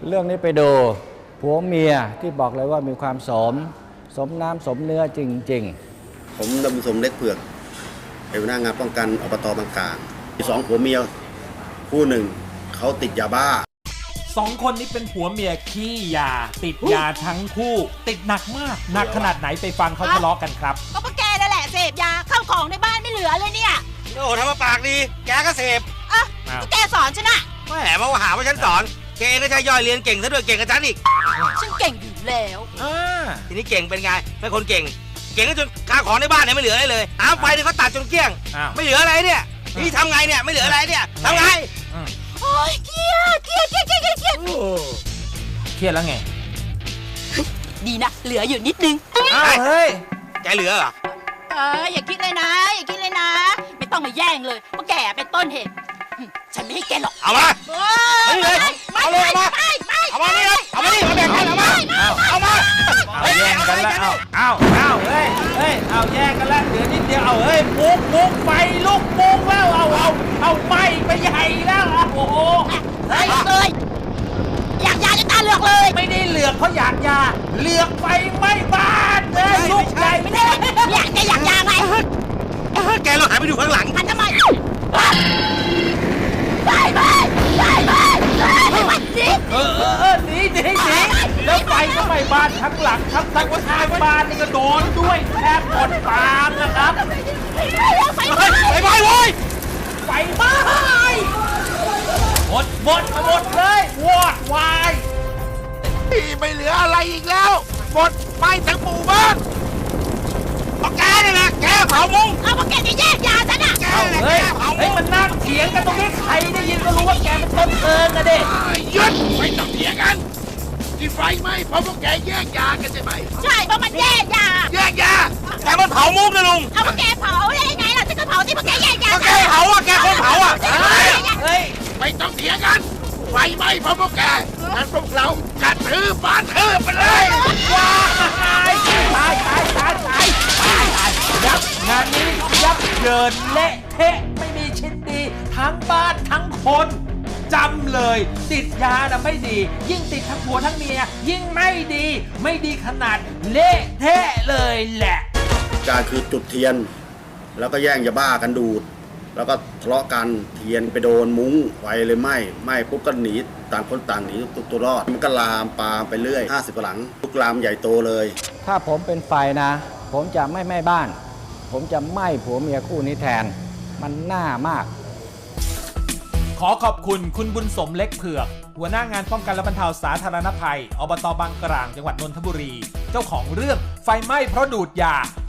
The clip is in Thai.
เรื่องนี้ไปดูผัวเมียที่บอกเลยว่ามีความสมน้ำสมเนื้อจริงๆผมดำสมเล็กเผือกเป็นหัวหน้างานป้องกันอบต.บางกลางสองผัวเมียคู่หนึ่งเขาติดยาบ้า 2 คนนี้เป็นผัวเมียขี้ยาติดยาทั้งคู่ติดหนักมากหนักขนาดไหนไปฟังเขาทะเลาะกันครับก็พวกแกนั่นแหละเสพยาข้าวของในบ้านไม่เหลือเลยเนี่ยโอ้ทำมาปากดีแกก็เสพอ่ะก็แกสอนฉันอะแหมมาหาว่าฉันสอนแกเองก็ใช่ย่อยเรียนเก่งซะด้วยเก่งกับฉันอีกฉันเก่งอยู่แล้วทีนี้เก่งเป็นไงเป็นคนเก่งก็จนข้าวของในบ้านเนี่ยไม่เหลืออะไรเลยน้ำไฟเนี่ยเขาตัดจนเกลี้ยงไม่เหลืออะไรเนี่ยนี่ทำไงเนี่ยไม่เหลืออะไรเนี่ยทำไงโอ้ยเครียดเครียดแล้วไงดีนะเหลืออยู่นิดนึงเฮ้ยแกเหลือเหรออย่าคิดเลยนะไม่ต้องมาแย่งเลยเพราะแกเป็นต้นเหตุฉันไม่ให้แกหรอกเอามาไม่เลยเอาเลยเอามานี่เลยเอามานี่มาแบ่งกันเอามาแย่งกันแล้วเอาเฮ้ยเอาแย่งกันแล้วเหลือนิดเดียวเอาเฮ้ยมุกไฟลุกมุกแล้วเอาไหม้ไปใหญ่แล้วโอ้โหเฮ้ยเลยอยากยาจะตาเหลือกเลยไม่ได้เหลือกเขาอยากยาเหลือกไฟไหม้บ้านเลยลูกใหญ่ไม่ได้อยากยาไงแกเราหายไปดูข้างหลังหันทำไมไปหนีแล้วไฟก็ไหม้บ้านทั้งหลังทั้งท้ายบ้านนี่ก็โดนด้วยแทบหมดปากนะครับไฟไหม้เว้ยไฟไหม้หมดเลยวอดวายไม่เหลืออะไรอีกแล้วหมดไหม้ทั้งหมู่บ้านแกนี่แหละแกเผามุ้งเอาพวกแกจะแยกยาฉันอ่ะเฮ้ยมันนั่งเถียงกันตรงนี้ใครได้ยินก็รู้ว่าแกเป็นต้นเพลิงนะเด็กหยุดไม่ต้องเถียงกันที่ไฟไหม้เพราะพวกแกแยกยากันใช่ไหมใช่เพราะมันแยกยาแต่มันเผามุ้งนะลุงเอาพวกแกเผาได้ยังไงล่ะฉันก็เผาที่พวกแกแยกยาแกเผาอ่ะแกคนเผาอ่ะเฮ้ยไม่ต้องเถียงกันไฟไหม้เพราะพวกแกงั้นพวกเรากัดทืบบ้านทืบไปเลยว้ายตายยับงานนี้ยับเยินเละเทะไม่มีชิ้นดีทั้งบ้านทั้งคนจำเลยติดยาน่ะไม่ดียิ่งติดทั้งผัวทั้งเมียยิ่งไม่ดีขนาดเละเทะเลยแหละการคือจุดเทียนแล้วก็แย่งยาบ้ากันดูดแล้วก็ทะเลาะกันเทียนไปโดนมุ้งไฟเลยไหม้ปุ๊บก็หนีต่างคนต่างหนีตัวรอดมันก็ลามปามไปเรื่อย50กว่าหลังลุกลามใหญ่โตเลยถ้าผมเป็นไฟนะผมจะไม่ไหม้บ้านผมจะไหม้ผัวเมียคู่นี้แทนมันน่ามากขอขอบคุณคุณบุญสมเล็กเผือกหัวหน้างานป้องกันและบรรเทาสาธารณภัยอบต.บางกลางจังหวัดนนทบุรีเจ้าของเรื่องไฟไหม้เพราะดูดยา